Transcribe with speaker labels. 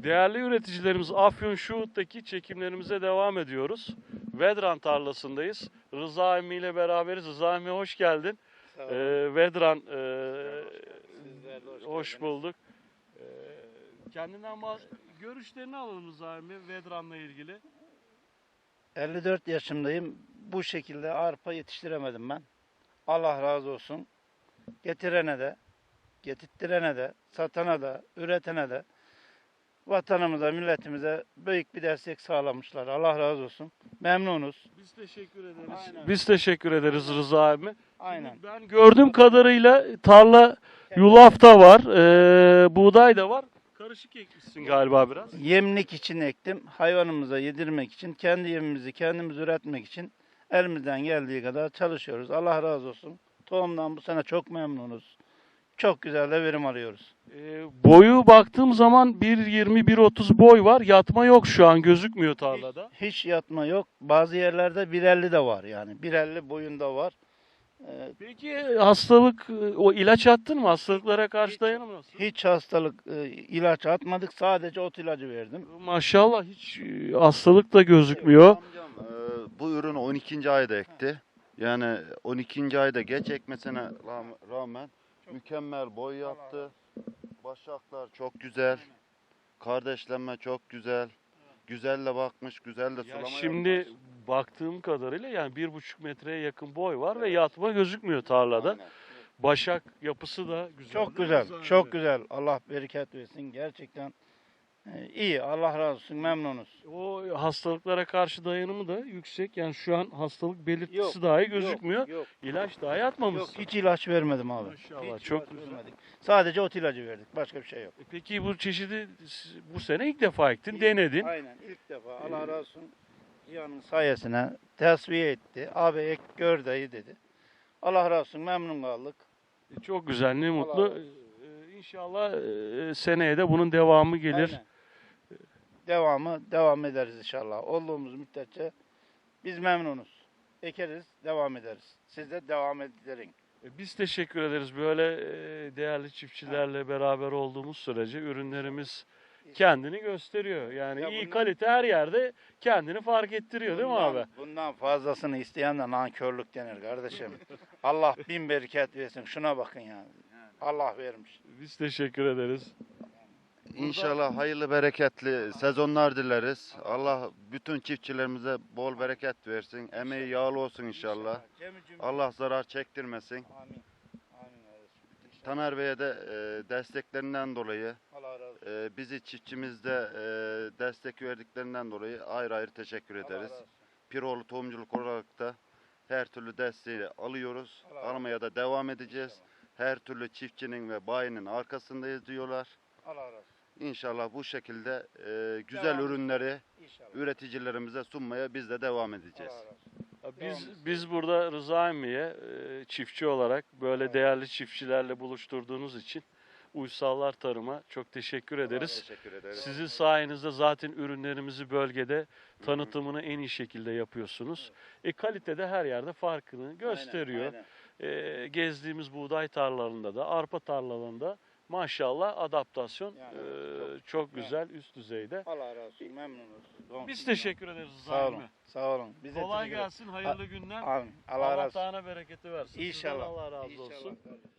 Speaker 1: Değerli üreticilerimiz, Afyonşuhut'taki çekimlerimize devam ediyoruz. Vedran tarlasındayız. Rıza emmi ile beraberiz. Rıza emmi hoş geldin. Vedran, hoş bulduk. Kendinden görüşlerini alalım Rıza emmi Vedran'la ilgili.
Speaker 2: 54 yaşındayım. Bu şekilde arpa yetiştiremedim ben. Allah razı olsun. Getirene de, getirttirene de, satana da, üretene de, vatanımıza, milletimize büyük bir destek sağlamışlar. Allah razı olsun. Memnunuz.
Speaker 1: Biz teşekkür ederiz.
Speaker 2: Aynen.
Speaker 1: Biz teşekkür ederiz Rıza emmi.
Speaker 2: Aynen.
Speaker 1: Şimdi ben gördüğüm kadarıyla tarla yulaf da var, buğday da var. Karışık ekmişsin galiba biraz.
Speaker 2: Yemlik için ektim. Hayvanımıza yedirmek için, kendi yemimizi kendimiz üretmek için elimizden geldiği kadar çalışıyoruz. Allah razı olsun. Tohumdan bu sene çok memnunuz. Çok güzel de verim alıyoruz.
Speaker 1: Boyu baktığım zaman 1.20-1.30 boy var. Yatma yok şu an, gözükmüyor tarlada.
Speaker 2: Hiç yatma yok. Bazı yerlerde 1.50 de var yani. 1.50 boyunda var.
Speaker 1: Peki hastalık, o ilaç attın mı? Hastalıklara karşı dayanım nasıl?
Speaker 2: Hiç hastalık ilaç atmadık. Sadece ot ilacı verdim.
Speaker 1: Maşallah hiç hastalık da gözükmüyor.
Speaker 3: Amcam bu ürünü 12. ayda ekti. Yani 12. ayda geç ekmesine rağmen mükemmel boy yaptı. Başaklar çok güzel. Kardeşlenme çok güzel. Güzelle bakmış, güzel de
Speaker 1: Ya
Speaker 3: sulama
Speaker 1: şimdi
Speaker 3: yapmış.
Speaker 1: baktığım kadarıyla yani 1,5 metreye yakın boy var ve yatma gözükmüyor tarlada.
Speaker 3: Aynen.
Speaker 1: Başak yapısı da güzel.
Speaker 2: Çok
Speaker 1: değil mi
Speaker 2: güzel.
Speaker 1: Rıza
Speaker 2: Çok
Speaker 1: abi?
Speaker 2: güzel. Allah bereket versin. Gerçekten iyi. Allah razı olsun. Memnunuz.
Speaker 1: O hastalıklara karşı dayanımı da yüksek. Yani şu an hastalık belirtisi
Speaker 2: Yok,
Speaker 1: dahi gözükmüyor.
Speaker 2: Yok.
Speaker 1: İlaç dahi
Speaker 2: Yok.
Speaker 1: atmamışsın.
Speaker 2: Hiç ilaç vermedim abi.
Speaker 1: Maşallah,
Speaker 2: Hiç
Speaker 1: çok
Speaker 2: ilaç
Speaker 1: güzel.
Speaker 2: vermedik. Sadece ot ilacı verdik. Başka bir şey yok.
Speaker 1: Peki bu çeşidi bu sene ilk defa ektin, denedin.
Speaker 2: Aynen. İlk defa. Allah razı olsun. Cihan'ın sayesine tesviye etti. Abi ek gör dayı dedi. Allah razı olsun. Memnun kaldık.
Speaker 1: Çok güzel, ne
Speaker 2: Allah
Speaker 1: mutlu.
Speaker 2: razı
Speaker 1: İnşallah seneye de bunun devamı gelir.
Speaker 2: Aynen. Devam ederiz inşallah. Olduğumuz müddetçe biz memnunuz. Ekeriz, devam ederiz. Siz de devam edin.
Speaker 1: Biz teşekkür ederiz. Böyle değerli çiftçilerle beraber olduğumuz sürece ürünlerimiz kendini gösteriyor. Yani
Speaker 2: Ya
Speaker 1: iyi
Speaker 2: bundan-
Speaker 1: kalite her yerde kendini fark ettiriyor değil mi abi?
Speaker 2: Bundan fazlasını isteyen de nankörlük denir kardeşim. Allah bin bereket versin. Şuna bakın yani. Allah vermiş.
Speaker 1: Biz teşekkür ederiz.
Speaker 3: İnşallah hayırlı bereketli sezonlar dileriz. Allah bütün çiftçilerimize bol bereket versin. Emeği yağlı olsun inşallah. Allah zarar çektirmesin.
Speaker 2: Amin. Amin kardeşim.
Speaker 3: Taner Bey'e de desteklerinden dolayı,
Speaker 2: Allah razı olsun.
Speaker 3: bizi çiftçimizde destek verdiklerinden dolayı ayrı ayrı teşekkür
Speaker 2: Allah
Speaker 3: ederiz.
Speaker 2: razı olsun.
Speaker 3: Piroğlu Tohumculuk olarak da her türlü desteği alıyoruz.
Speaker 2: Allah razı olsun.
Speaker 3: Almaya da devam edeceğiz. Her türlü çiftçinin ve bayinin arkasındayız diyorlar.
Speaker 2: Allah razı olsun.
Speaker 3: İnşallah bu şekilde güzel
Speaker 2: Devam.
Speaker 3: ürünleri
Speaker 2: İnşallah.
Speaker 3: üreticilerimize sunmaya biz de devam edeceğiz.
Speaker 2: Allah razı olsun.
Speaker 1: Biz burada Rıza emmiye çiftçi olarak böyle
Speaker 2: Evet.
Speaker 1: değerli çiftçilerle buluşturduğunuz için Uysallar Tarım'a çok teşekkür ederiz.
Speaker 3: Teşekkür ederiz.
Speaker 1: Sizin sayenizde zaten ürünlerimizi bölgede tanıtımını en iyi şekilde yapıyorsunuz. Kalitede her yerde farkını gösteriyor.
Speaker 2: Aynen.
Speaker 1: Gezdiğimiz buğday tarlalarında da, arpa tarlalarında maşallah adaptasyon
Speaker 2: Yani
Speaker 1: çok güzel, üst düzeyde.
Speaker 2: Allah razı olsun. Memnunuz.
Speaker 1: Biz teşekkür ederiz Rıza
Speaker 2: Sağ olun.
Speaker 1: emmi.
Speaker 2: Sağ olun. Bize
Speaker 1: Kolay
Speaker 2: teşekkür ederiz.
Speaker 1: gelsin, hayırlı günler.
Speaker 2: Amin. Allah razı olsun.
Speaker 1: Allah'tan bereketi versin. Sizden
Speaker 2: İnşallah.
Speaker 1: Allah razı
Speaker 2: İnşallah
Speaker 1: olsun.
Speaker 2: kardeşim.